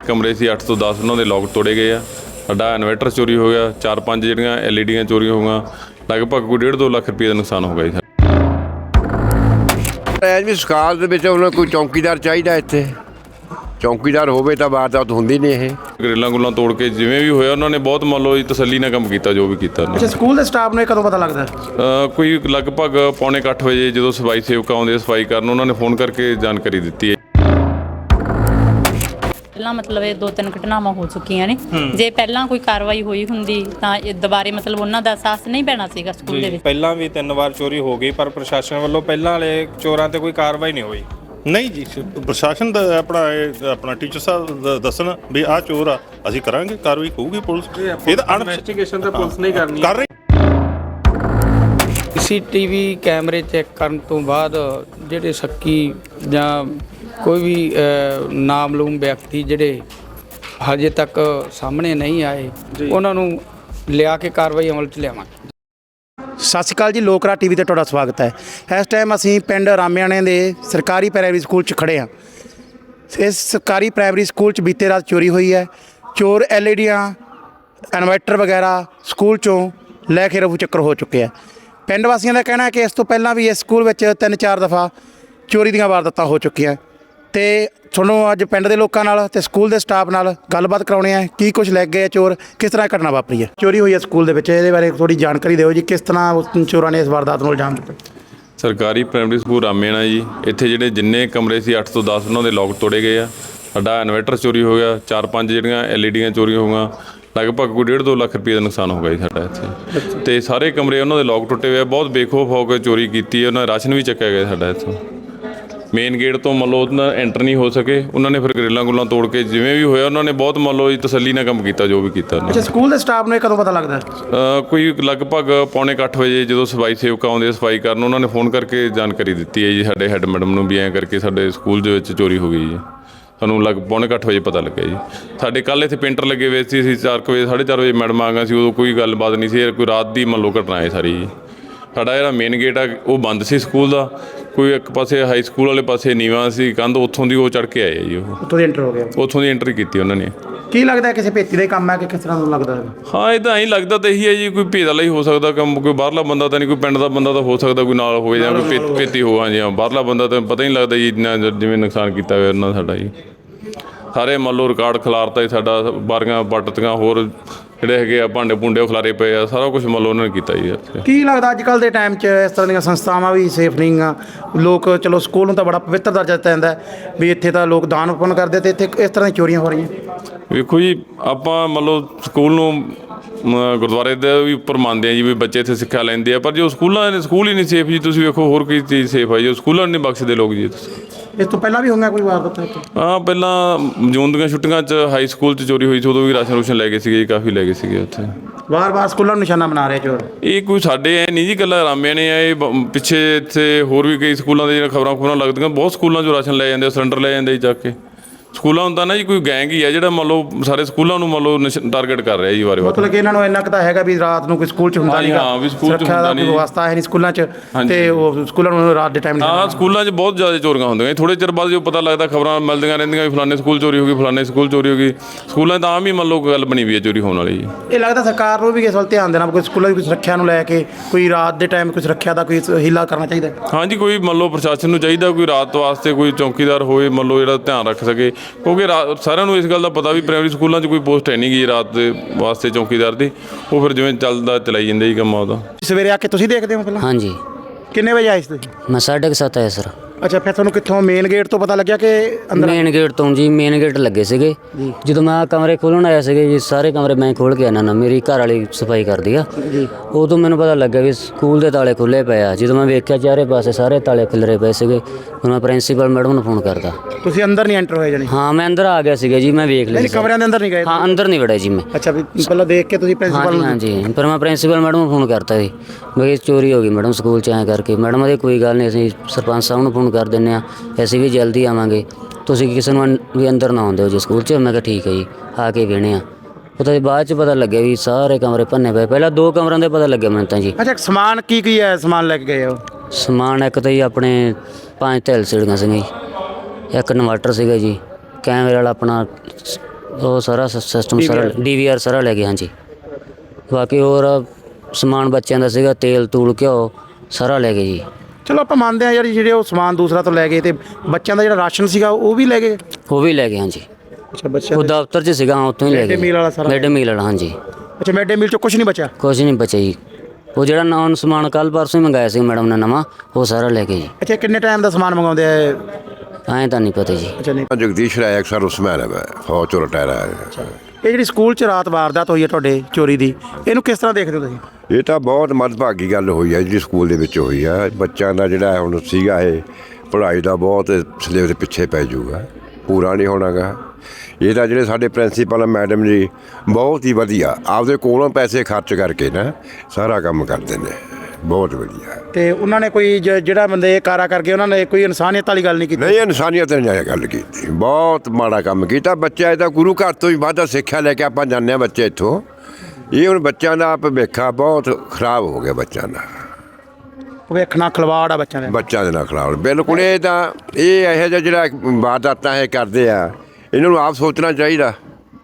कमरे से 8 ਤੋਂ 10 उन्होंने लॉक तोड़े गए आ। साडा इन्वर्टर चोरी हो गया, 4-5 ਜਿਹੜੀਆਂ LED चोरी हो गई, लगभग कोई 1.5-2 ਲੱਖ ਰੁਪਏ ਦਾ ਨੁਕਸਾਨ ਹੋ ਗਿਆ ਜੀ। ਐਜ ਵੀ ਸਕਾਲ ਦੇ ਵਿੱਚ ਉਹਨਾਂ ਕੋਈ ਚੌਕੀਦਾਰ ਚਾਹੀਦਾ, ਇੱਥੇ ਚੌਕੀਦਾਰ ਹੋਵੇ ਤਾਂ ਵਾਰਦਾਤ ਹੁੰਦੀ ਨਹੀਂ। ਇਹ ਗਰਿੱਲਾਂ ਗੁੱਲਾਂ ਤੋੜ ਕੇ ਜਿਵੇਂ ਵੀ ਹੋਇਆ ਉਹਨਾਂ ਨੇ ਬਹੁਤ ਮੰਨ ਲਓ ਜੀ ਤਸੱਲੀ ਨਾਲ ਕੰਮ ਕੀਤਾ ਜੋ ਵੀ ਕੀਤਾ। ਅੱਛਾ, ਸਕੂਲ ਦੇ ਸਟਾਫ ਨੂੰ ਇਹ ਕਦੋਂ ਪਤਾ ਲੱਗਦਾ? ਕੋਈ ਲਗਭਗ 7:45 ਵਜੇ ਜਦੋਂ ਸਫਾਈ ਸੇਵਕ ਆਉਂਦੇ ਸਫਾਈ ਕਰਨ, ਉਹਨਾਂ ਨੇ ਫੋਨ ਕਰਕੇ ਜਾਣਕਾਰੀ ਦਿੱਤੀ ਹੈ। ਪਹਿਲਾਂ ਮਤਲਬ ਇਹ 2-3 ਘਟਨਾਵਾਂ ਹੋ ਚੁੱਕੀਆਂ ਨੇ। ਜੇ ਪਹਿਲਾਂ ਕੋਈ ਕਾਰਵਾਈ ਹੋਈ ਹੁੰਦੀ ਤਾਂ ਇਹ ਦੁਬਾਰੇ ਮਤਲਬ ਉਹਨਾਂ ਦਾ ਅਹਿਸਾਸ ਨਹੀਂ ਪੈਣਾ ਸੀਗਾ ਸਕੂਲ ਦੇ ਵਿੱਚ। ਪਹਿਲਾਂ ਵੀ 3 ਵਾਰ ਚੋਰੀ ਹੋ ਗਈ, ਪਰ ਪ੍ਰਸ਼ਾਸਨ ਵੱਲੋਂ ਪਹਿਲਾਂ ਵਾਲੇ ਚੋਰਾਂ ਤੇ ਕੋਈ ਕਾਰਵਾਈ ਨਹੀਂ ਹੋਈ। ਨਹੀਂ ਜੀ, ਪ੍ਰਸ਼ਾਸਨ ਦਾ ਆਪਣਾ ਟੀਚਰ ਸਾਹਿਬ ਦੱਸਣ ਵੀ ਆਹ ਚੋਰ ਆ, ਅਸੀਂ ਕਰਾਂਗੇ ਕਾਰਵਾਈ, ਹੋਊਗੀ ਪੁਲਿਸ। ਇਹ ਤਾਂ ਇਨਵੈਸਟੀਗੇਸ਼ਨ ਤਾਂ ਪੁਲਿਸ ਨਹੀਂ ਕਰਨੀ ਕਰ ਰਹੀ। CCTV ਕੈਮਰੇ ਚੈੱਕ ਕਰਨ ਤੋਂ ਬਾਅਦ ਜਿਹੜੇ ਸ਼ੱਕੀ ਜਾਂ ਕੋਈ ਵੀ ਨਾਮਲੂਮ ਵਿਅਕਤੀ ਜਿਹੜੇ ਹਜੇ ਤੱਕ ਸਾਹਮਣੇ ਨਹੀਂ ਆਏ, ਉਹਨਾਂ ਨੂੰ ਲਿਆ ਕੇ ਕਾਰਵਾਈ ਅਮਲ 'ਚ ਲਿਆਵਾਂਗੇ। ਸਤਿ ਸ਼੍ਰੀ ਅਕਾਲ ਜੀ, ਲੋਕਰਾ ਟੀਵੀ ਤੇ ਤੁਹਾਡਾ ਸਵਾਗਤ ਹੈ। ਇਸ ਟਾਈਮ ਅਸੀਂ ਪਿੰਡ ਰਾਮਿਆਣੇ ਦੇ ਸਰਕਾਰੀ ਪ੍ਰਾਇਮਰੀ ਸਕੂਲ 'ਚ ਖੜ੍ਹੇ ਹਾਂ। ਇਸ ਸਰਕਾਰੀ ਪ੍ਰਾਇਮਰੀ ਸਕੂਲ 'ਚ ਬੀਤੇ ਰਾਤ ਚੋਰੀ ਹੋਈ ਹੈ। ਚੋਰ LEDਆਂ, ਇਨਵਰਟਰ ਵਗੈਰਾ ਸਕੂਲ 'ਚੋਂ ਲੈ ਕੇ ਰਫੂ ਚੱਕਰ ਹੋ ਚੁੱਕੇ ਆ। ਪਿੰਡ ਵਾਸੀਆਂ ਦਾ ਕਹਿਣਾ ਹੈ ਕਿ ਇਸ ਤੋਂ ਪਹਿਲਾਂ ਵੀ ਇਸ ਸਕੂਲ ਵਿੱਚ 3-4 ਦਫਾ ਚੋਰੀ ਦੀਆਂ ਵਾਰਦਾਤਾਂ ਹੋ ਚੁੱਕੀਆਂ। ਤੇ ਤੁਹਾਨੂੰ ਅੱਜ ਪਿੰਡ ਦੇ ਲੋਕਾਂ ਨਾਲ ਤੇ ਸਕੂਲ ਦੇ ਸਟਾਫ ਨਾਲ ਗੱਲਬਾਤ ਕਰਾਉਣੀ ਹੈ, ਕੀ ਕੁਝ ਲੈ ਗਏ ਚੋਰ, ਕਿਸ ਤਰ੍ਹਾਂ ਘਟਨਾ ਵਾਪਰੀ ਹੈ। ਚੋਰੀ ਹੋਈ ਹੈ ਸਕੂਲ ਦੇ ਵਿੱਚ, ਇਹਦੇ ਬਾਰੇ ਥੋੜੀ ਜਾਣਕਾਰੀ ਦਿਓ ਜੀ, ਕਿਸ ਤਰ੍ਹਾਂ ਉਸ ਚੋਰਾਂ ਨੇ ਇਸ ਵਾਰਦਾਤ ਨੂੰ ਅੰਜਾਮ ਦਿੱਤਾ। ਸਰਕਾਰੀ ਪ੍ਰਾਇਮਰੀ ਸਕੂਲ ਰਾਮੇਣਾ ਜੀ, ਇੱਥੇ ਜਿਹੜੇ ਜਿੰਨੇ ਕਮਰੇ ਸੀ 8 ਤੋਂ 10 ਉਹਨਾਂ ਦੇ ਲੌਕ ਤੋੜੇ ਗਏ ਆ। ਸਾਡਾ ਇਨਵਰਟਰ ਚੋਰੀ ਹੋ ਗਿਆ, 4-5 ਜਿਹੜੀਆਂ LED ਚੋਰੀ ਹੋ ਗਈਆਂ, ਲਗਭਗ ਕੋਈ 1.5-2 ਲੱਖ ਰੁਪਏ ਦਾ ਨੁਕਸਾਨ ਹੋ ਗਿਆ ਜੀ ਸਾਡਾ ਇੱਥੇ। ਤੇ ਸਾਰੇ ਕਮਰੇ ਉਹਨਾਂ ਦੇ ਲੌਕ ਟੁੱਟੇ ਹੋਏ, ਬਹੁਤ ਬੇਖੌਫ ਹੋ ਕੇ ਚੋਰੀ ਕੀਤੀ ਹੈ। ਉਹਨਾਂ ਦਾ ਰਾਸ਼ਨ ਵੀ ਚੱਕਿਆ ਗਿਆ ਸਾਡਾ ਇੱਥੋਂ। ਮੇਨ ਗੇਟ ਤੋਂ ਮੰਨ ਲਓ ਉਹਨਾਂ ਐਂਟਰ ਨਹੀਂ ਹੋ ਸਕੇ, ਉਹਨਾਂ ਨੇ ਫਿਰ ਗਰਿੱਲਾਂ ਗੁੱਲਾਂ ਤੋੜ ਕੇ ਜਿਵੇਂ ਵੀ ਹੋਇਆ ਉਹਨਾਂ ਨੇ ਬਹੁਤ ਮੰਨ ਲਓ ਜੀ ਤਸੱਲੀ ਨਾਲ ਕੰਮ ਕੀਤਾ ਜੋ ਵੀ ਕੀਤਾ। ਅੱਛਾ, ਸਕੂਲ ਦੇ ਸਟਾਫ ਨੂੰ ਇਹ ਕਦੋਂ ਪਤਾ ਲੱਗਦਾ? ਕੋਈ ਲਗਭਗ 7:45 ਵਜੇ ਜਦੋਂ ਸਫਾਈ ਸੇਵਕ ਆਉਂਦੇ ਸਫਾਈ ਕਰਨ, ਉਹਨਾਂ ਨੇ ਫੋਨ ਕਰਕੇ ਜਾਣਕਾਰੀ ਦਿੱਤੀ ਹੈ ਜੀ ਸਾਡੇ ਹੈੱਡ ਮੈਡਮ ਨੂੰ ਵੀ ਐਂ ਕਰਕੇ ਸਾਡੇ ਸਕੂਲ ਦੇ ਵਿੱਚ ਚੋਰੀ ਹੋ ਗਈ ਜੀ। ਸਾਨੂੰ 7:45 ਵਜੇ ਪਤਾ ਲੱਗਿਆ ਜੀ। ਸਾਡੇ ਕੱਲ੍ਹ ਇੱਥੇ ਪੇਂਟਰ ਲੱਗੇ ਹੋਏ ਸੀ, ਅਸੀਂ 4 ਵਜੇ 4:30 ਵਜੇ ਮੈਡਮ ਆ ਗਈਆਂ ਸੀ, ਉਦੋਂ ਕੋਈ ਗੱਲਬਾਤ ਨਹੀਂ ਸੀ। ਕੋਈ ਰਾਤ ਦੀ ਮੰਨ ਲਓ ਘਟਨਾ ਹੈ ਸਾਰੀ ਜੀ। ਸਾਡਾ ਜਿਹੜਾ ਮੇਨ ਗੇਟ ਆ ਉਹ ਬੰਦ ਸੀ ਸਕੂਲ ਦਾ, ਕੋਈ ਇੱਕ ਪਾਸੇ ਹਾਈ ਸਕੂਲ ਵਾਲੇ ਪਾਸੇ ਨੀਵਾਂ ਸੀ ਕੰਧ, ਉੱਥੋਂ ਦੀ ਉਹ ਚੜ੍ਹ ਕੇ ਆਏ ਜੀ। ਉਹ ਉੱਥੋਂ ਦੀ ਐਂਟਰ ਹੋ ਗਿਆ, ਉੱਥੋਂ ਦੀ ਐਂਟਰੀ ਕੀਤੀ ਉਹਨਾਂ ਨੇ। ਕੀ ਲੱਗਦਾ ਕਿਸੇ ਭੇਤੀ ਦਾ ਕੰਮ ਹੈ ਕਿ ਕਿਸ ਤਰ੍ਹਾਂ ਦਾ ਲੱਗਦਾ ਹੈ? ਹਾਂ, ਇਹ ਤਾਂ ਐਂ ਲੱਗਦਾ ਤਾਂ ਇਹੀ ਹੈ ਜੀ, ਕੋਈ ਭੇਦ ਵਾਲਾ ਹੀ ਹੋ ਸਕਦਾ ਕੰਮ, ਕੋਈ ਬਾਹਰਲਾ ਬੰਦਾ ਤਾਂ ਨਹੀਂ, ਕੋਈ ਪਿੰਡ ਦਾ ਬੰਦਾ ਤਾਂ ਹੋ ਸਕਦਾ ਕੋਈ ਨਾਲ ਹੋਵੇ, ਜਾਂ ਕੋਈ ਭੇਤੀ ਹੋਵਾ ਜੀ। ਬਾਹਰਲਾ ਬੰਦਾ ਤਾਂ ਪਤਾ ਹੀ ਨਹੀਂ ਲੱਗਦਾ ਜੀ, ਇੰਨਾ ਜਿਵੇਂ ਨੁਕਸਾਨ ਕੀਤਾ ਹੋਇਆ ਉਹਨਾਂ ਸਾਡਾ ਜੀ। ਸਾਰੇ ਮੰਨ ਲਓ ਰਿਕਾਰਡ ਖਿਲਾਰਤਾ ਜੀ ਸਾਡਾ, ਬਾਰੀਆਂ ਪੱਟਤੀਆਂ, ਹੋਰ ਜਿਹੜੇ ਹੈਗੇ ਆ ਭਾਂਡੇ ਭੁੰਡੇ ਉਹ ਖਿਲਾਰੇ ਪਏ ਆ, ਸਾਰਾ ਕੁਝ ਮੰਨ ਲਓ ਉਹਨਾਂ ਨੇ ਕੀਤਾ ਜੀ ਇੱਥੇ। ਕੀ ਲੱਗਦਾ ਅੱਜ ਕੱਲ੍ਹ ਦੇ ਟਾਈਮ 'ਚ ਇਸ ਤਰ੍ਹਾਂ ਦੀਆਂ ਸੰਸਥਾਵਾਂ ਵੀ ਸੇਫ ਨਹੀਂ ਆ? ਲੋਕ ਚਲੋ ਸਕੂਲ ਨੂੰ ਤਾਂ ਬੜਾ ਪਵਿੱਤਰ ਦਰਜਾ ਦਿੱਤਾ ਜਾਂਦਾ ਵੀ ਇੱਥੇ ਤਾਂ ਲੋਕ ਦਾਨ ਪੁੰਨ ਕਰਦੇ, ਤੇ ਇੱਥੇ ਇਸ ਤਰ੍ਹਾਂ ਦੀਆਂ ਚੋਰੀਆਂ ਹੋ ਰਹੀਆਂ। ਵੇਖੋ ਜੀ, ਆਪਾਂ ਮੰਨ ਲਓ ਸਕੂਲ ਨੂੰ ਗੁਰਦੁਆਰੇ ਦੇ ਵੀ ਉੱਪਰ ਮੰਨਦੇ ਆ ਜੀ ਵੀ ਬੱਚੇ ਇੱਥੇ ਸਿੱਖਿਆ ਲੈਂਦੇ ਆ, ਪਰ ਜੋ ਸਕੂਲ ਹੀ ਨਹੀਂ ਸੇਫ ਜੀ। ਤੁਸੀਂ ਵੇਖੋ ਹੋਰ ਕੀ ਚੀਜ਼ ਸੇਫ ਹੈ ਜੀ, ਸਕੂਲਾਂ ਨਹੀਂ ਬਖਸ਼ਦੇ ਲੋਕ ਜੀ। ਇਸ ਤੋਂ ਪਹਿਲਾਂ ਵੀ ਹੋਈਆਂ ਕੋਈ ਵਾਰਦਾਤ ਇੱਥੇ? ਹਾਂ, ਪਹਿਲਾਂ ਜੂਨ ਦੀਆਂ ਛੁੱਟੀਆਂ 'ਚ ਹਾਈ ਸਕੂਲ 'ਚ ਚੋਰੀ ਹੋਈ ਸੀ, ਉਦੋਂ ਵੀ ਰਾਸ਼ਨ ਰੂਸ਼ਨ ਲੈ ਗਏ ਸੀਗੇ ਜੀ, ਕਾਫੀ ਲੈ ਗਏ ਸੀਗੇ ਉੱਥੇ। ਵਾਰ-ਵਾਰ ਸਕੂਲਾਂ ਨੂੰ ਨਿਸ਼ਾਨਾ ਬਣਾ ਰਹੇ ਚੋਰ। ਇਹ ਕੋਈ ਸਾਡੇ ਐ ਨਹੀਂ ਜੀ ਇਕੱਲਾ ਰਾਮਿਆਂ ਨੇ, ਇਹ ਪਿੱਛੇ ਇੱਥੇ ਹੋਰ ਵੀ ਕਈ ਸਕੂਲਾਂ ਦੇ ਜਿਹੜਾ ਖਬਰਾਂ ਲੱਗਦੀਆਂ, ਬਹੁਤ ਸਕੂਲਾਂ 'ਚੋਂ ਰਾਸ਼ਨ ਲੈ ਜਾਂਦੇ, ਸਿਲੰਡਰ ਲੈ ਜਾਂਦੇ ਜੀ ਚੱਕ ਕੇ। ਸਕੂਲਾਂ ਹੁੰਦਾ ਨਾ ਜੀ, ਕੋਈ ਗੈਂਗ ਹੀ ਹੈ ਜਿਹੜਾ ਮੰਨ ਲਓ ਸਾਰੇ ਸਕੂਲਾਂ ਨੂੰ ਮੰਨ ਲਓ ਟਾਰਗੇਟ ਕਰ ਰਿਹਾ ਜੀ ਵਾਰ-ਵਾਰ। ਮਤਲਬ ਕਿ ਇਹਨਾਂ ਨੂੰ ਇੰਨਾ ਕੁ ਤਾਂ ਹੈਗਾ ਵੀ ਰਾਤ ਨੂੰ ਕੋਈ ਸਕੂਲ 'ਚ ਹੁੰਦਾ ਨਹੀਂ, ਹਾਂ ਵੀ ਸਕੂਲ 'ਚ ਹੁੰਦਾ ਨਹੀਂ, ਵਿਵਸਥਾ ਹੈ ਨਹੀਂ ਸਕੂਲਾਂ 'ਚ, ਤੇ ਉਹ ਸਕੂਲਾਂ ਨੂੰ ਰਾਤ ਦੇ ਟਾਈਮ। ਹਾਂ, ਸਕੂਲਾਂ 'ਚ ਬਹੁਤ ਜ਼ਿਆਦਾ ਚੋਰੀਆਂ ਹੁੰਦੀਆਂ। ਥੋੜ੍ਹੇ ਚਿਰ ਬਾਅਦ ਜੋ ਪਤਾ ਲੱਗਦਾ, ਖਬਰਾਂ ਮਿਲਦੀਆਂ ਰਹਿੰਦੀਆਂ ਵੀ ਫਲਾਣੇ ਸਕੂਲ ਚੋਰੀ ਹੋ ਗਈ, ਫਲਾਣੇ ਸਕੂਲ ਚੋਰੀ ਹੋ ਗਈ। ਸਕੂਲਾਂ 'ਚ ਤਾਂ ਆਮ ਹੀ ਮੰਨ ਲਓ ਗੱਲ ਬਣੀ ਵੀ ਹੈ ਚੋਰੀ ਹੋਣ ਵਾਲੀ ਜੀ। ਇਹ ਲੱਗਦਾ ਸਰਕਾਰ ਨੂੰ ਵੀ ਇਸ ਵੱਲ ਧਿਆਨ ਦੇਣਾ, ਕੋਈ ਸਕੂਲਾਂ ਦੀ ਕੋਈ ਸੁਰੱਖਿਆ ਨੂੰ ਲੈ ਕੇ, ਕੋਈ ਰਾਤ ਦੇ ਟਾਈਮ ਕੋਈ ਸੁਰੱਖਿਆ ਦਾ ਕੋਈ ਹੀਲਾ ਕਰਨਾ ਚਾਹੀਦਾ। ਹਾਂਜੀ, ਕੋਈ ਮੰਨ ਲਓ ਪ੍ਰਸ਼ਾਸਨ ਨੂੰ ਚਾਹੀਦਾ ਕੋਈ ਰਾਤ ਵਾਸਤੇ ਕੋਈ ਚੌਕੀਦਾਰ ਹੋਵੇ ਮੰਨ ਲਓ ਜਿਹੜਾ ਧਿਆਨ ਰੱਖ ਸਕੇ, ਕਿਉਂਕਿ ਸਾਰਿਆਂ ਨੂੰ ਇਸ ਗੱਲ ਦਾ ਪਤਾ ਵੀ ਪ੍ਰਾਇਮਰੀ ਸਕੂਲਾਂ 'ਚ ਕੋਈ ਪੋਸਟ ਹੈ ਨਹੀਂ ਗਈ ਰਾਤ ਦੇ ਵਾਸਤੇ ਚੌਕੀਦਾਰ ਦੀ। ਉਹ ਫਿਰ ਜਿਵੇਂ ਚੱਲਦਾ ਚਲਾਈ ਜਾਂਦੇ ਜੀ ਕੰਮ ਉਹਦਾ। ਸਵੇਰੇ ਆ ਕੇ ਤੁਸੀਂ ਦੇਖਦੇ ਹੋ ਪਹਿਲਾਂ? ਹਾਂਜੀ। ਕਿੰਨੇ ਵਜੇ ਆਏ ਸੀ ਤੁਸੀਂ? ਮੈਂ 7:30 ਆਇਆ ਸਰ। ਅੱਛਾ, ਫਿਰ ਤੁਹਾਨੂੰ ਕਿੱਥੋਂ ਮੇਨ ਗੇਟ ਤੋਂ ਪਤਾ ਲੱਗਿਆ ਕਿ ਅੰਦਰ? ਮੇਨ ਗੇਟ ਤੋਂ ਜੀ, ਮੇਨ ਗੇਟ ਲੱਗੇ ਸੀਗੇ। ਜਦੋਂ ਮੈਂ ਕਮਰੇ ਖੋਲ੍ਹਣ ਆਇਆ ਸੀਗੇ ਜੀ, ਸਾਰੇ ਕਮਰੇ ਮੈਂ ਖੋਲ੍ਹ ਕੇ ਆਉਣਾ ਨਾ, ਮੇਰੀ ਘਰ ਵਾਲੀ ਸਫਾਈ ਕਰਦੀ ਆ। ਉਦੋਂ ਮੈਨੂੰ ਪਤਾ ਲੱਗਿਆ ਵੀ ਸਕੂਲ ਦੇ ਤਾਲੇ ਖੁੱਲ੍ਹੇ ਪਏ ਆ। ਜਦੋਂ ਮੈਂ ਵੇਖਿਆ ਚਾਰੇ ਪਾਸੇ ਸਾਰੇ ਤਾਲੇ ਖਿਲਰੇ ਪਏ ਸੀਗੇ, ਹੁਣ ਮੈਂ ਪ੍ਰਿੰਸੀਪਲ ਮੈਡਮ ਨੂੰ ਫੋਨ ਕਰਦਾ। ਤੁਸੀਂ ਅੰਦਰ ਨਹੀਂ ਐਂਟਰ ਹੋਏ ਜਾਨੀ? ਹਾਂ, ਮੈਂ ਅੰਦਰ ਆ ਗਿਆ ਸੀਗਾ ਜੀ, ਮੈਂ ਵੇਖ ਲਿਆ। ਕਮਰਿਆਂ ਦੇ ਅੰਦਰ ਨਹੀਂ ਗਏ? ਹਾਂ, ਅੰਦਰ ਨਹੀਂ ਵੜਿਆ ਜੀ ਮੈਂ। ਅੱਛਾ, ਵੀ ਪਹਿਲਾਂ ਦੇਖ ਕੇ ਤੁਸੀਂ ਪ੍ਰਿੰਸੀਪਲ ਨੂੰ? ਹਾਂਜੀ, ਪਰ ਮੈਂ ਪ੍ਰਿੰਸੀਪਲ ਮੈਡਮ ਨੂੰ ਫੋਨ ਕਰਤਾ ਜੀ, ਮੈਂ ਚੋਰੀ ਹੋ ਗਈ ਮੈਡਮ ਸਕੂਲ 'ਚ ਐਂ ਕਰਕੇ। ਮੈਡਮ ਉਹਦੀ ਕੋਈ ਗੱਲ ਨਹੀਂ, ਅਸੀਂ ਸਰਪੰਚ ਸਾਹਿਬ ਨੂੰ ਫੋਨ ਕਰ ਦਿੰਦੇ ਹਾਂ, ਅਸੀਂ ਵੀ ਜਲਦੀ ਆਵਾਂਗੇ, ਤੁਸੀਂ ਕਿਸੇ ਨੂੰ ਵੀ ਅੰਦਰ ਨਾ ਆਉਂਦੇ ਹੋ ਜੀ ਸਕੂਲ 'ਚ। ਮੈਂ ਕਿਹਾ ਠੀਕ ਹੈ ਜੀ, ਆ ਕੇ ਵੇਹਣੇ ਆ। ਉਹ ਤਾਂ ਬਾਅਦ 'ਚ ਪਤਾ ਲੱਗਿਆ ਵੀ ਸਾਰੇ ਕਮਰੇ ਭੰਨੇ ਪਏ। ਪਹਿਲਾਂ 2 ਕਮਰਿਆਂ ਦੇ ਪਤਾ ਲੱਗਿਆ ਮੈਨੂੰ ਤਾਂ ਜੀ। ਅੱਛਾ, ਸਮਾਨ ਕੀ ਹੈ? ਸਮਾਨ ਲੈ ਕੇ ਗਏ ਹੋ? ਸਮਾਨ ਇੱਕ ਤਾਂ ਜੀ ਆਪਣੇ 5 LCDਆਂ ਸੀਗੀਆਂ ਜੀ, ਇੱਕ ਇਨਵਰਟਰ ਸੀਗਾ ਜੀ, ਕੈਮਰੇ ਵਾਲਾ ਆਪਣਾ ਉਹ ਸਾਰਾ ਸਿਸਟਮ ਸਾਰਾ ਡੀਵੀਆਰ ਸਾਰਾ ਲੈ ਗਏ ਹਾਂਜੀ। ਬਾਕੀ ਹੋਰ ਸਮਾਨ ਬੱਚਿਆਂ ਦਾ ਸੀਗਾ, ਤੇਲ ਤੂਲ ਘਿਓ ਸਾਰਾ ਲੈ ਗਏ ਜੀ। ਚਲੋ ਆਪਾਂ ਮੰਨਦੇ ਹਾਂ ਯਾਰ ਜਿਹੜੇ ਉਹ ਸਮਾਨ ਦੂਸਰਾ ਤੋਂ ਲੈ ਗਏ ਤੇ ਬੱਚਿਆਂ ਦਾ ਜਿਹੜਾ ਰਾਸ਼ਨ ਸੀਗਾ ਉਹ ਵੀ ਲੈ ਗਏ। ਉਹ ਵੀ ਲੈ ਗਏ ਹਾਂਜੀ। ਅੱਛਾ ਬੱਚਿਆਂ ਉਹ ਦਫ਼ਤਰ 'ਚ ਸੀਗਾ, ਉੱਥੋਂ ਹੀ ਲੈ ਗਏ। Mid-day meal ਵਾਲਾ ਸਾਰਾ? ਮਿਡ ਮੀਲ ਵਾਲਾ ਹਾਂਜੀ। ਅੱਛਾ ਮਿਡ ਡੇ ਮੀਲ 'ਚ ਕੁਝ ਨਹੀਂ ਬਚਿਆ? ਕੁਛ ਨਹੀਂ ਬਚਿਆ ਜੀ। ਉਹ ਜਿਹੜਾ ਨੌਨ ਸਮਾਨ ਕੱਲ੍ਹ ਪਰਸੋਂ ਹੀ ਮੰਗਾਇਆ ਸੀ ਮੈਡਮ ਨੇ ਨਵਾਂ, ਉਹ ਸਾਰਾ ਲੈ ਗਏ ਜੀ। ਅੱਛਾ ਕਿੰਨੇ ਟਾਈਮ ਦਾ ਸਮਾਨ ਮੰਗਾਉਂਦੇ ਆ ਇਹ? ਐਂ ਤਾਂ ਨਹੀਂ ਪਤਾ ਜੀ। ਅੱਛਾ ਨਹੀਂ। ਜਗਦੀਸ਼ ਰਾਏ ਅਕਸਰ ਉਸਮੈਨ ਹੈ ਮੈਂ ਫੌਜ ਚੋਂ ਰਿਟਾਇਰ ਆਇਆ। ਇਹ ਜਿਹੜੀ ਸਕੂਲ 'ਚ ਰਾਤ ਵਾਰਦਾਤ ਹੋਈ ਹੈ ਤੁਹਾਡੇ ਚੋਰੀ ਦੀ, ਇਹਨੂੰ ਕਿਸ ਤਰ੍ਹਾਂ ਦੇਖਦੇ ਹੋ ਤੁਸੀਂ? ਇਹ ਤਾਂ ਬਹੁਤ ਮੰਦਭਾਗੀ ਗੱਲ ਹੋਈ ਹੈ ਜਿਹੜੀ ਸਕੂਲ ਦੇ ਵਿੱਚ ਹੋਈ ਆ। ਬੱਚਿਆਂ ਦਾ ਜਿਹੜਾ ਹੁਣ ਸੀਗਾ ਇਹ ਪੜ੍ਹਾਈ ਦਾ ਬਹੁਤ ਸਿਲੇਬਸ ਦੇ ਪਿੱਛੇ ਪੈ ਜਾਊਗਾ, ਪੂਰਾ ਨਹੀਂ ਹੋਣਾਗਾ। ਇਹ ਤਾਂ ਜਿਹੜੇ ਸਾਡੇ ਪ੍ਰਿੰਸੀਪਲ ਮੈਡਮ ਜੀ ਬਹੁਤ ਹੀ ਵਧੀਆ ਆਪਦੇ ਕੋਲੋਂ ਪੈਸੇ ਖਰਚ ਕਰਕੇ ਨਾ ਸਾਰਾ ਕੰਮ ਕਰਦੇ ਨੇ, ਬਹੁਤ ਵਧੀਆ। ਤੇ ਉਹਨਾਂ ਨੇ ਕੋਈ ਜਿਹੜਾ ਬੰਦੇ ਇਹ ਕਾਰਾ ਕਰਕੇ ਉਹਨਾਂ ਨੇ ਕੋਈ ਇਨਸਾਨੀਅਤ ਵਾਲੀ ਗੱਲ ਨਹੀਂ ਕੀਤੀ? ਨਹੀਂ ਇਨਸਾਨੀਅਤ ਨੇ ਜਾਇਆ ਗੱਲ ਕੀਤੀ, ਬਹੁਤ ਮਾੜਾ ਕੰਮ ਕੀਤਾ। ਬੱਚਾ ਇਹਦਾ ਗੁਰੂ ਘਰ ਤੋਂ ਹੀ ਵਾਧਾ ਸਿੱਖਿਆ ਲੈ ਕੇ ਆਪਾਂ ਜਾਂਦੇ ਹਾਂ ਬੱਚੇ ਇੱਥੋਂ। ਇਹ ਹੁਣ ਬੱਚਿਆਂ ਦਾ ਭਵਿੱਖਾ ਬਹੁਤ ਖਰਾਬ ਹੋ ਗਿਆ, ਬੱਚਿਆਂ ਦਾ ਭਵਿੱਖ ਨਾਲ ਖਿਲਵਾੜ ਆ ਬੱਚਿਆਂ ਦੇ। ਬੱਚਿਆਂ ਦੇ ਨਾਲ ਖਰਾਬ ਬਿਲਕੁਲ। ਇਹ ਤਾਂ ਇਹ ਇਹੋ ਜਿਹਾ ਜਿਹੜਾ ਵਾਰਦਾਤਾਂ ਇਹ ਕਰਦੇ ਆ, ਇਹਨਾਂ ਨੂੰ ਆਪ ਸੋਚਣਾ ਚਾਹੀਦਾ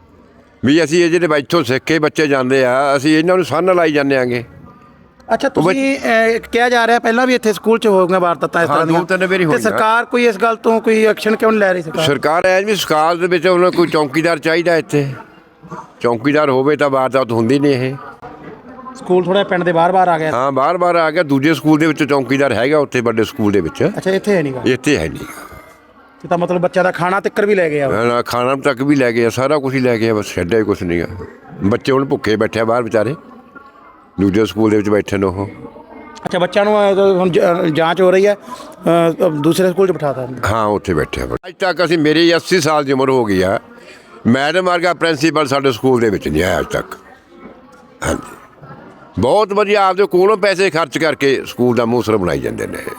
ਵੀ ਅਸੀਂ ਇਹ ਜਿਹੜੇ ਇੱਥੋਂ ਸਿੱਖ ਕੇ ਬੱਚੇ ਜਾਂਦੇ ਆ, ਅਸੀਂ ਇਹਨਾਂ ਨੂੰ ਸੰਨ ਲਾਈ ਜਾਂਦੇ ਆਂਗੇ। ਅੱਛਾ ਤੁਸੀਂ ਕਿਹਾ ਜਾ ਰਿਹਾ ਪਹਿਲਾਂ ਵੀ ਇੱਥੇ ਸਕੂਲ 'ਚ ਹੋ ਗਈਆਂ ਵਾਰਦਾਤਾਂ ਇਸ ਤਰ੍ਹਾਂ ਦੀਆਂ? 2-3 ਵਾਰੀ ਤੇ ਹੋਈਆਂ। ਸਰਕਾਰ ਕੋਈ ਇਸ ਗੱਲ ਤੋਂ ਕੋਈ ਐਕਸ਼ਨ ਕਿਉਂ ਨਹੀਂ ਲੈ ਰਹੀ ਸਰਕਾਰ? ਸਰਕਾਰ ਐ ਵੀ ਸਕਾਲ ਦੇ ਵਿੱਚ ਉਹਨਾਂ ਕੋਈ ਚੌਕੀਦਾਰ ਚਾਹੀਦਾ। ਇੱਥੇ ਚੌਕੀਦਾਰ ਹੋਵੇ ਤਾਂ ਵਾਰਦਾਤ ਹੁੰਦੀ ਨਹੀਂ ਇਹ। ਸਕੂਲ ਥੋੜਾ ਪਿੰਡ ਦੇ ਬਾਹਰ-ਬਾਹਰ ਆ ਗਿਆ। ਹਾਂ ਬਾਰ-ਬਾਰ ਆ ਗਿਆ। ਦੂਜੇ ਸਕੂਲ ਦੇ ਵਿੱਚ ਚੌਕੀਦਾਰ ਹੈਗਾ, ਉੱਥੇ ਵੱਡੇ ਸਕੂਲ ਦੇ ਵਿੱਚ। ਅੱਛਾ ਇੱਥੇ ਹੈ ਨਹੀਂਗਾ? ਇੱਥੇ ਹੈ ਨਹੀਂ। ਤੇ ਤਾਂ ਮਤਲਬ ਬੱਚਿਆਂ ਦਾ ਖਾਣਾ ਤਿੱਕਰ ਵੀ ਲੈ ਗਿਆ? ਖਾਣਾ ਤੱਕ ਵੀ ਲੈ ਗਏ, ਸਾਰਾ ਕੁਝ ਹੀ ਲੈ ਗਏ, ਬਸ ਛੱਡਿਆ ਹੀ ਕੁਛ ਨਹੀਂ ਆ। ਬੱਚੇ ਹੁਣ ਭੁੱਖੇ ਬੈਠੇ ਬਾਹਰ ਵਿਚਾਰੇ, ਦੂਜੇ ਸਕੂਲ ਦੇ ਵਿੱਚ ਬੈਠੇ ਨੇ ਉਹ। ਅੱਛਾ ਬੱਚਿਆਂ ਨੂੰ ਹੁਣ ਜਾਂਚ ਹੋ ਰਹੀ ਹੈ, ਦੂਸਰੇ ਸਕੂਲ 'ਚ ਬਿਠਾਤਾ? ਹਾਂ ਉੱਥੇ ਬੈਠੇ ਆ। ਅੱਜ ਤੱਕ ਅਸੀਂ ਮੇਰੀ 80 ਸਾਲ ਦੀ ਉਮਰ ਹੋ ਗਈ ਆ, ਮੈਡਮ ਵਰਗਾ ਪ੍ਰਿੰਸੀਪਲ ਸਾਡੇ ਸਕੂਲ ਦੇ ਵਿੱਚ ਨਹੀਂ ਆਇਆ ਅੱਜ ਤੱਕ। ਹਾਂਜੀ ਬਹੁਤ ਵਧੀਆ ਆਪਦੇ ਕੋਲੋਂ ਪੈਸੇ ਖਰਚ ਕਰਕੇ ਸਕੂਲ ਦਾ ਮੂਸਰ ਬਣਾਈ ਜਾਂਦੇ ਨੇ।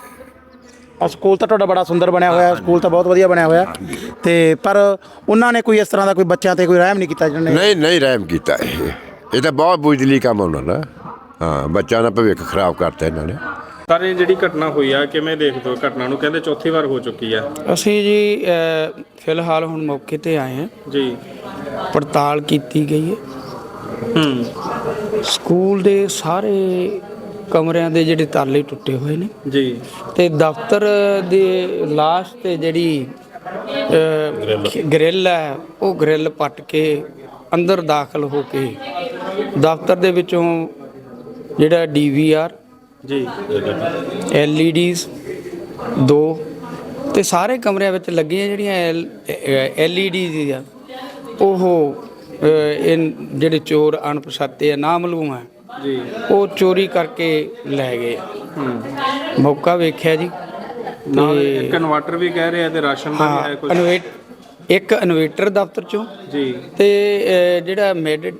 ਆ ਸਕੂਲ ਤਾਂ ਤੁਹਾਡਾ ਬੜਾ ਸੁੰਦਰ ਬਣਿਆ ਹੋਇਆ, ਸਕੂਲ ਤਾਂ ਬਹੁਤ ਵਧੀਆ ਬਣਿਆ ਹੋਇਆ ਤੇ ਪਰ ਉਹਨਾਂ ਨੇ ਕੋਈ ਇਸ ਤਰ੍ਹਾਂ ਦਾ ਕੋਈ ਬੱਚਿਆਂ ਤੇ ਕੋਈ ਰਹਿਮ ਨਹੀਂ ਕੀਤਾ ਜਿਹਨੇ? ਨਹੀਂ ਰਹਿਮ ਕੀਤਾ। ਇਹ ਤਾਂ ਬਹੁਤ ਬੁਜ਼ਦਿਲੀ ਕੰਮ ਉਹਨਾਂ ਦਾ। ਹਾਂ ਬੱਚਿਆਂ ਦਾ ਭਵਿੱਖ ਖਰਾਬ ਕਰਤਾ ਇਹਨਾਂ ਨੇ। ਪਰ ਇਹ ਜਿਹੜੀ ਘਟਨਾ ਹੋਈ ਆ ਕਿਵੇਂ ਦੇਖਦੇ ਹੋ ਘਟਨਾ ਨੂੰ? ਕਹਿੰਦੇ ਚੌਥੀ ਵਾਰ ਹੋ ਚੁੱਕੀ ਆ। ਅਸੀਂ ਜੀ ਫਿਲਹਾਲ ਹੁਣ ਮੌਕੇ ਤੇ ਆਏ ਹਾਂ ਜੀ। ਪੜਤਾਲ ਕੀਤੀ ਗਈ ਹੈ। ਸਕੂਲ ਦੇ ਸਾਰੇ ਕਮਰਿਆਂ ਦੇ ਜਿਹੜੇ ਤਾਲੇ ਟੁੱਟੇ ਹੋਏ ਨੇ ਜੀ। ਤੇ ਦਫ਼ਤਰ ਦੇ ਲਾਸਟ ਤੇ ਜਿਹੜੀ ਗ੍ਰਿਲ ਹੈ ਉਹ ਗ੍ਰਿਲ ਪੱਟ ਕੇ ਅੰਦਰ ਦਾਖਲ ਹੋ ਕੇ ਦਫ਼ਤਰ ਦੇ ਵਿੱਚੋਂ ਜਿਹੜਾ ਡੀਵੀਆਰ ਜੀ LEDs 2 ਤੇ ਸਾਰੇ ਕਮਰਿਆਂ ਵਿੱਚ ਲੱਗੀਆਂ ਜਿਹੜੀਆਂ LEDs ਆ ਉਹ ਇਹ ਜਿਹੜੇ ਚੋਰ ਅਣਪਛਾਤੇ ਆ ਨਾਮਾਲੂਮ ਆ ਜੀ ਉਹ ਚੋਰੀ ਕਰਕੇ ਲੈ ਗਏ। ਮੌਕਾ ਵੇਖਿਆ ਜੀ ਨਾਲ ਇੱਕ ਇਨਵਰਟਰ ਵੀ ਕਹਿ ਰਹੇ ਆ ਤੇ ਰਾਸ਼ਨ ਦਾ ਵੀ ਹੈ ਕੁਝ। ਇੱਕ ਇਨਵੇਟਰ ਦਫ਼ਤਰ ਚੋਂ ਜੀ ਤੇ ਜਿਹੜਾ ਮਿਡ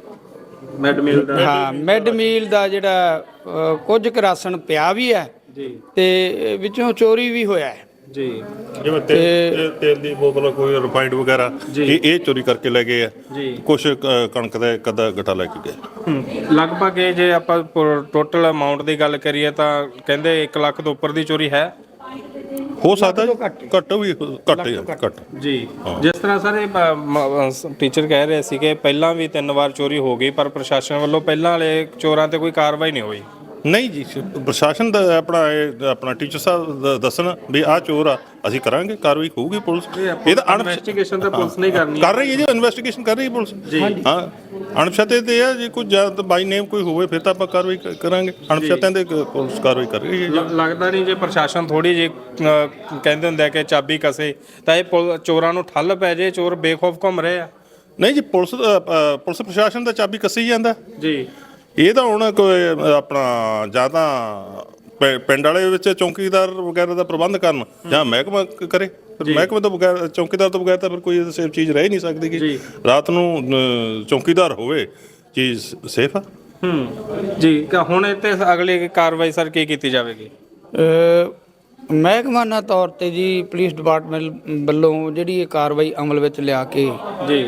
ਮੀਲ ਦਾ ਜਿਹੜਾ ਕੁਝ ਕੁ ਰਾਸ਼ਨ ਪਿਆ ਵੀ ਹੈ ਜੀ ਤੇ ਵਿੱਚੋਂ ਚੋਰੀ ਵੀ ਹੋਇਆ ਹੈ ਜੀ। ਜਿਵੇਂ ਤੇਲ ਦੀ ਬੋਤਲ, ਕੋਈ ਰਿਫਾਈਨਡ ਵਗੈਰਾ, ਇਹ ਚੋਰੀ ਕਰਕੇ ਲੈ ਗਏ ਆ ਜੀ। ਕੁਛ ਕਣਕ ਦਾ ਇੱਕ ਅੱਧਾ ਗੱਟਾ ਲੈ ਕੇ ਗਏ। ਲਗਭਗ ਇਹ ਜੇ ਆਪਾਂ ਟੋਟਲ ਅਮਾਉਂਟ ਦੀ ਗੱਲ ਕਰੀਏ ਤਾਂ ਕਹਿੰਦੇ 1 ਲੱਖ ਤੋਂ ਉੱਪਰ ਦੀ ਚੋਰੀ ਹੈ। ਹੋ ਸਕਦਾ ਘੱਟ ਜੀ। ਜਿਸ ਤਰ੍ਹਾਂ ਸਾਰੇ ਟੀਚਰ ਕਹਿ ਰਹੇ ਸੀ ਕਿ ਪਹਿਲਾਂ ਵੀ 3 ਵਾਰ ਚੋਰੀ ਹੋ ਗਈ ਪਰ ਪ੍ਰਸ਼ਾਸਨ ਵੱਲੋਂ ਪਹਿਲਾਂ ਵਾਲੇ ਚੋਰਾਂ ਤੇ ਕੋਈ ਕਾਰਵਾਈ ਨਹੀਂ ਹੋਈ। ਨਹੀਂ ਜੀ, ਪ੍ਰਸ਼ਾਸਨ ਦਾ ਆਪਣਾ ਟੀਚਰ ਸਾਹਿਬ ਦੱਸਣ ਵੀ ਆਹ ਚੋਰ ਆ, ਅਸੀਂ ਕਰਾਂਗੇ, ਕਾਰਵਾਈ ਹੋਊਗੀ। ਪੁਲਿਸ ਇਹ ਤਾਂ ਇਨਵੈਸਟੀਗੇਸ਼ਨ ਤਾਂ ਪੁਲਿਸ ਨਹੀਂ ਕਰਨੀ ਕਰ ਰਹੀ ਹੈ ਜੀ, ਇਨਵੈਸਟੀਗੇਸ਼ਨ ਕਰ ਰਹੀ ਹੈ ਪੁਲਿਸ। ਹਾਂ ਅਣਪਛਾਤੇ ਤੇ ਆ ਜੇ ਕੋਈ ਜਾਂ ਬਾਈ ਨੇਮ ਕੋਈ ਹੋਵੇ ਫਿਰ ਤਾਂ ਆਪਾਂ ਕਾਰਵਾਈ ਕਰਾਂਗੇ। ਅਣਪਛਾਤਿਆਂ ਦੇ ਪੁਲਿਸ ਕਾਰਵਾਈ ਕਰ ਰਹੀ ਹੈ। ਲੱਗਦਾ ਨਹੀਂ ਜੇ ਪ੍ਰਸ਼ਾਸਨ ਥੋੜੀ ਜਿਹੀ ਕਹਿੰਦੇ ਹੁੰਦੇ ਆ ਕਿ ਚਾਬੀ ਕਸੇ ਤਾਂ ਇਹ ਚੋਰਾਂ ਨੂੰ ਠੱਲ ਪੈ ਜੇ, ਚੋਰ ਬੇਖੌਫ ਘੁੰਮ ਰਹੇ ਆ। ਨਹੀਂ ਜੀ, ਪੁਲਿਸ ਪ੍ਰਸ਼ਾਸਨ ਦਾ ਚਾਬੀ ਕੱਸੀ ਜਾਂਦਾ ਜੀ। ਇਹ ਤਾਂ ਹੁਣ ਕੋਈ ਆਪਣਾ ਜਾਂ ਤਾਂ ਪਿੰਡ ਵਾਲੇ ਵਿੱਚ ਚੌਕੀਦਾਰ ਵਗੈਰਾ ਦਾ ਪ੍ਰਬੰਧ ਕਰਨ ਜਾਂ ਮਹਿਕਮਾ ਕਰੇ। ਮਹਿਕਮੇ ਤੋਂ ਬਗੈਰ, ਚੌਕੀਦਾਰ ਤੋਂ ਬਗੈਰ ਤਾਂ ਫਿਰ ਕੋਈ ਸੇਫ ਚੀਜ਼ ਰਹਿ ਨਹੀਂ ਸਕਦੀ ਕਿ ਰਾਤ ਨੂੰ ਚੌਕੀਦਾਰ ਹੋਵੇ, ਚੀਜ਼ ਸੇਫ ਆ। ਜੀ। ਹੁਣ ਇੱਥੇ ਅਗਲੀ ਕਾਰਵਾਈ ਸਰ ਕੀ ਕੀਤੀ ਜਾਵੇਗੀ? ਮਹਿਕਮਾਨਾ ਤੌਰ ਤੇ ਜੀ ਪੁਲਿਸ ਡਿਪਾਰਟਮੈਂਟ ਵੱਲੋਂ ਜਿਹੜੀ ਇਹ ਕਾਰਵਾਈ ਅਮਲ ਵਿੱਚ ਲਿਆ ਕੇ ਜੀ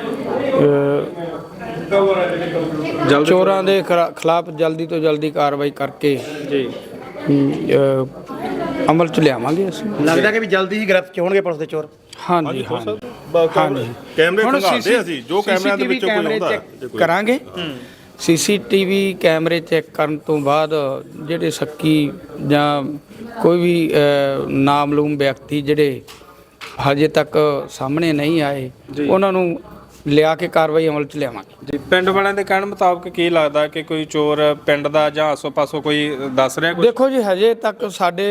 ਚੋਰਾਂ ਦੇ ਖਿਲਾਫ ਜਲਦੀ ਤੋਂ ਜਲਦੀ ਕਾਰਵਾਈ ਕਰਕੇ ਜੀ ਅਮਲ ਚ ਲਿਆਵਾਂਗੇ ਅਸੀਂ। ਲੱਗਦਾ ਕਿ ਵੀ ਜਲਦੀ ਹੀ ਗ੍ਰਿਫਤ 'ਚ ਹੋਣਗੇ ਪੁਲਿਸ ਦੇ ਚੋਰ? ਹਾਂਜੀ। ਹਾਂਜੀ ਕੈਮਰੇ ਹੁਣ ਖੰਗਾਲਦੇ ਅਸੀਂ ਜੋ ਕੈਮਰਿਆਂ ਦੇ ਵਿੱਚੋਂ ਕੋਈ ਕੈਮਰੇ ਆਉਂਦਾ ਚੈੱਕ ਕਰਾਂਗੇ ਸੀਸੀਟੀਵੀ ਕੈਮਰੇ ਚੈੱਕ ਕਰਨ ਤੋਂ ਬਾਅਦ ਜਿਹੜੇ ਸ਼ੱਕੀ ਜਾਂ ਕੋਈ ਵੀ ਨਾਮਲੂਮ ਵਿਅਕਤੀ ਜਿਹੜੇ ਹਜੇ ਤੱਕ ਸਾਹਮਣੇ ਨਹੀਂ ਆਏ ਉਹਨਾਂ ਨੂੰ ਲਿਆ ਕੇ ਕਾਰਵਾਈ ਅਮਲ 'ਚ ਲਿਆਵਾਂਗੇ। ਜੀ ਪਿੰਡ ਵਾਲਿਆਂ ਦੇ ਕਹਿਣ ਮੁਤਾਬਕ ਕੀ ਲੱਗਦਾ ਕਿ ਕੋਈ ਚੋਰ ਪਿੰਡ ਦਾ ਜਾਂ ਆਸੋ-ਪਾਸੋਂ ਕੋਈ ਦੱਸ ਰਿਹਾ ਕੁਝ? ਦੇਖੋ ਜੀ ਹਜੇ ਤੱਕ ਸਾਡੇ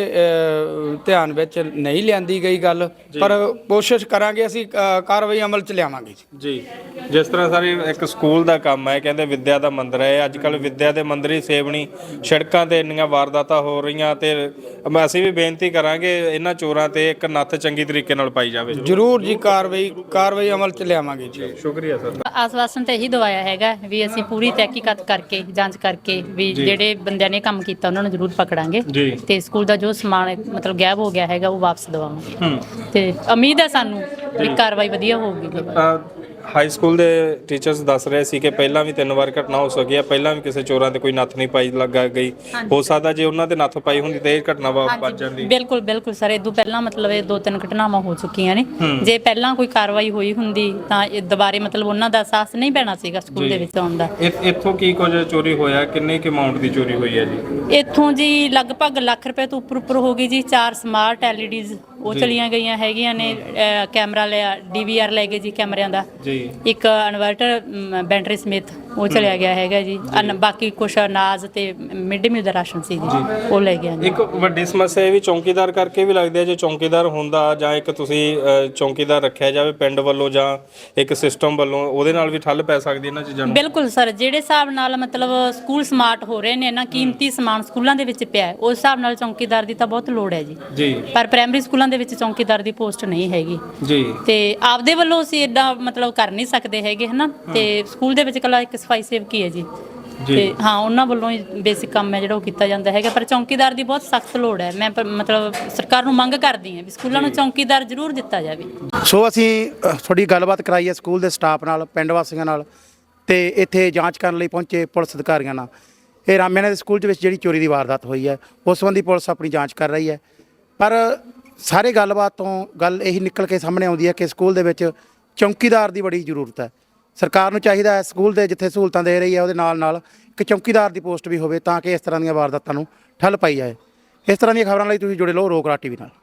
ਧਿਆਨ ਵਿੱਚ ਨਹੀਂ ਲਿਆਂਦੀ ਗਈ ਗੱਲ, ਪਰ ਕੋਸ਼ਿਸ਼ ਕਰਾਂਗੇ ਅਸੀਂ ਕਾਰਵਾਈ ਅਮਲ 'ਚ ਲਿਆਵਾਂਗੇ ਜੀ ਜਿਸ ਤਰ੍ਹਾਂ ਸਾਰੇ ਇੱਕ ਸਕੂਲ ਦਾ ਕੰਮ ਹੈ, ਕਹਿੰਦੇ ਵਿੱਦਿਆ ਦਾ ਮੰਦਿਰ ਹੈ, ਅੱਜ ਕੱਲ ਵਿੱਦਿਆ ਦੇ ਮੰਦਿਰ ਹੀ ਸੇਵਣੀ, ਸੜਕਾਂ ਤੇ ਇੰਨੀਆਂ ਵਾਰਦਾਤਾਂ ਹੋ ਰਹੀਆਂ ਤੇ ਅਸੀਂ ਵੀ ਬੇਨਤੀ ਕਰਾਂਗੇ ਇਹਨਾਂ ਚੋਰਾਂ ਤੇ ਇੱਕ ਨੱਥ ਚੰਗੀ ਤਰੀਕੇ ਨਾਲ ਪਾਈ ਜਾਵੇ। ਜ਼ਰੂਰ ਜੀ ਕਾਰਵਾਈ ਅਮਲ 'ਚ ਲਿਆਵਾਂਗੇ ਜੀ। ਸ਼ੁਕਰੀਆ ਸਰ। ਆਸਵਾਸਨ ਤਾਂ ਇਹੀ ਦਵਾਇਆ ਹੈਗਾ ਵੀ ਅਸੀਂ ਪੂਰੀ ਤਹਿਕੀਕਾਤ ਕਰਕੇ ਜਾਂਚ ਕਰਕੇ ਵੀ ਜਿਹੜੇ ਬੰਦਿਆਂ ਨੇ ਕੰਮ ਕੀਤਾ ਉਹਨਾਂ ਨੂੰ ਜ਼ਰੂਰ ਪਕੜਾਂਗੇ ਤੇ ਸਕੂਲ ਦਾ ਜੋ ਸਮਾਨ ਮਤਲਬ ਗਾਇਬ ਹੋ ਗਿਆ ਹੈਗਾ ਉਹ ਵਾਪਸ ਦਵਾਵਾਂਗੇ ਤੇ ਉਮੀਦ ਹੈ ਸਾਨੂੰ ਵੀ ਕਾਰਵਾਈ ਵਧੀਆ ਹੋਊਗੀ। ਹਾਈ ਸਕੂਲ ਦੇ ਟੀਚਰਸ ਦੱਸ ਰਹੇ ਸੀ ਕਿ ਪਹਿਲਾਂ ਵੀ 3 ਵਾਰ ਘਟਨਾ ਹੋ ਸਕੀ ਹੈ, ਪਹਿਲਾਂ ਵੀ ਕਿਸੇ ਚੋਰਾਂ ਤੇ ਕੋਈ ਨੱਥ ਨਹੀਂ ਪਾਈ ਲੱਗਾ ਗਈ, ਹੋ ਸਕਦਾ ਜੇ ਉਹਨਾਂ ਤੇ ਨੱਥ ਪਾਈ ਹੁੰਦੀ ਤੇ ਇਹ ਘਟਨਾ ਵੱਜ ਜਾਂਦੀ। ਬਿਲਕੁਲ ਬਿਲਕੁਲ ਸਰ, ਇਦੋਂ ਪਹਿਲਾਂ ਮਤਲਬ ਇਹ 2-3 ਘਟਨਾਵਾਂ ਹੋ ਚੁੱਕੀਆਂ ਨੇ। ਜੇ ਪਹਿਲਾਂ ਕੋਈ ਕਾਰਵਾਈ ਹੋਈ ਹੁੰਦੀ ਤਾਂ ਇਹ ਦੁਬਾਰੇ ਮਤਲਬ ਉਹਨਾਂ ਦਾ ਅਹਿਸਾਸ ਨਹੀਂ ਪੈਣਾ ਸੀਗਾ ਸਕੂਲ ਦੇ ਵਿੱਚ ਆਉਣ ਦਾ। ਇੱਥੋਂ ਕੀ ਕੁਝ ਚੋਰੀ ਹੋਇਆ, ਕਿੰਨੇ ਕਿ ਅਮਾਉਂਟ ਦੀ ਚੋਰੀ ਹੋਈ ਹੈ ਜੀ? ਇੱਥੋਂ ਜੀ ਲਗਭਗ ਲੱਖ ਰੁਪਏ ਤੋਂ ਉੱਪਰ ਹੋ ਗਈ ਜੀ। 4 ਸਮਾਰਟ ਐਲਈਡੀਜ਼ ਉਹ ਚਲੀਆਂ ਗਈਆਂ ਹੈਗੀਆਂ ਨੇ, ਕੈਮਰਾ ਲਿਆ ਡੀਵੀਆਰ ਲੈ ਗਏ ਜੀ ਕੈਮਰਿਆਂ ਦਾ, ਇੱਕ ਇਨਵਰਟਰ ਬੈਟਰੀ ਸਮੇਤ ਉਹ ਚਲਿਆ ਗਿਆ ਹੈਗਾ ਜੀ। ਬਾਕੀ ਕੁਛ ਅਨਾਜ ਤੇ ਮਿਡ ਡੇ ਮੀਲ ਦਾ ਰਾਸ਼ਨ ਸੀ ਜੀ ਉਹ ਲੈ ਗਿਆ। ਇੱਕ ਵੱਡੀ ਸਮੱਸਿਆ ਇਹ ਵੀ ਚੌਂਕੀਦਾਰ ਕਰਕੇ ਵੀ ਲੱਗਦੀ ਹੈ, ਜੇ ਚੌਂਕੀਦਾਰ ਹੁੰਦਾ ਜਾਂ ਇੱਕ ਤੁਸੀਂ ਚੌਂਕੀਦਾਰ ਰੱਖਿਆ ਜਾਵੇ ਪਿੰਡ ਵੱਲੋਂ ਜਾਂ ਇੱਕ ਸਿਸਟਮ ਵੱਲੋਂ, ਉਹਦੇ ਨਾਲ ਵੀ ਠੱਲ ਪੈ ਸਕਦੀ ਇਹਨਾਂ ਚੀਜ਼ਾਂ ਨੂੰ। ਬਿਲਕੁਲ ਸਰ, ਜਿਹੜੇ ਹਿਸਾਬ ਨਾਲ ਮਤਲਬ ਸਕੂਲ ਸਮਾਰਟ ਹੋ ਰਹੇ ਨੇ ਨਾ, ਕੀਮਤੀ ਸਮਾਨ ਸਕੂਲਾਂ ਦੇ ਵਿੱਚ ਪਿਆ ਹੈ, ਉਸ ਹਿਸਾਬ ਨਾਲ ਚੌਂਕੀਦਾਰ ਦੀ ਤਾਂ ਬਹੁਤ ਲੋੜ ਹੈ ਜੀ। ਪਰ ਪ੍ਰਾਇਮਰੀ ਸਕੂਲਾਂ ਦੇ ਵਿੱਚ ਚੌਂਕੀਦਾਰ ਦੀ ਪੋਸਟ ਨਹੀਂ ਹੈਗੀ ਜੀ, ਤੇ ਆਪਦੇ ਵੱਲੋਂ ਅਸੀਂ ਏਡਾ ਮਤਲਬ ਕਰ ਨਹੀਂ ਸਕਦੇ ਹੈਗੇ ਹਨਾ। ਤੇ ਸਕੂਲ ਦੇ ਵਿੱਚ ਇਕੱਲਾ ਇੱਕ ਸਫਾਈ ਸੇਵਕੀ ਹੈ ਜੀ ਤੇ ਹਾਂ ਉਹਨਾਂ ਵੱਲੋਂ ਹੀ ਬੇਸਿਕ ਕੰਮ ਹੈ ਜਿਹੜਾ ਉਹ ਕੀਤਾ ਜਾਂਦਾ ਹੈਗਾ, ਪਰ ਚੌਂਕੀਦਾਰ ਦੀ ਬਹੁਤ ਸਖਤ ਲੋੜ ਹੈ। ਮੈਂ ਮਤਲਬ ਸਰਕਾਰ ਨੂੰ ਮੰਗ ਕਰਦੀ ਹਾਂ ਵੀ ਸਕੂਲਾਂ ਨੂੰ ਚੌਂਕੀਦਾਰ ਜ਼ਰੂਰ ਦਿੱਤਾ ਜਾਵੇ। ਸੋ ਅਸੀਂ ਥੋੜੀ ਗੱਲਬਾਤ ਕਰਾਈ ਹੈ ਸਕੂਲ ਦੇ ਸਟਾਫ ਨਾਲ, ਪਿੰਡ ਵਾਸੀਆਂ ਨਾਲ ਤੇ ਇੱਥੇ ਜਾਂਚ ਕਰਨ ਲਈ ਪਹੁੰਚੇ ਪੁਲਿਸ ਅਧਿਕਾਰੀਆਂ ਨਾਲ। ਇਹ ਰਾਮਿਆਣਾ ਦੇ ਸਕੂਲ ਦੇ ਵਿੱਚ ਜਿਹੜੀ ਚੋਰੀ ਦੀ ਵਾਰਦਾਤ ਹੋਈ ਹੈ ਉਸ ਸੰਬੰਧੀ ਪੁਲਿਸ ਆਪਣੀ ਜਾਂਚ ਕਰ ਰਹੀ ਹੈ, ਪਰ ਸਾਰੇ ਗੱਲਬਾਤ ਤੋਂ ਗੱਲ ਇਹੀ ਨਿਕਲ ਕੇ ਸਾਹਮਣੇ ਆਉਂਦੀ ਹੈ ਕਿ ਸਕੂਲ ਦੇ ਵਿੱਚ ਚੌਂਕੀਦਾਰ ਦੀ ਬੜੀ ਜ਼ਰੂਰਤ ਹੈ। ਸਰਕਾਰ ਨੂੰ ਚਾਹੀਦਾ ਹੈ ਸਕੂਲ ਦੇ ਜਿੱਥੇ ਸਹੂਲਤਾਂ ਦੇ ਰਹੀ ਹੈ ਉਹਦੇ ਨਾਲ ਨਾਲ ਇੱਕ ਚੌਂਕੀਦਾਰ ਦੀ ਪੋਸਟ ਵੀ ਹੋਵੇ ਤਾਂ ਕਿ ਇਸ ਤਰ੍ਹਾਂ ਦੀਆਂ ਵਾਰਦਾਤਾਂ ਨੂੰ ਠੱਲ ਪਾਈ ਜਾਏ। ਇਸ ਤਰ੍ਹਾਂ ਦੀਆਂ ਖਬਰਾਂ ਲਈ ਤੁਸੀਂ ਜੁੜੇ ਰਹੋ ਰੋਕ ਰਾਜ ਟੀਵੀ ਨਾਲ।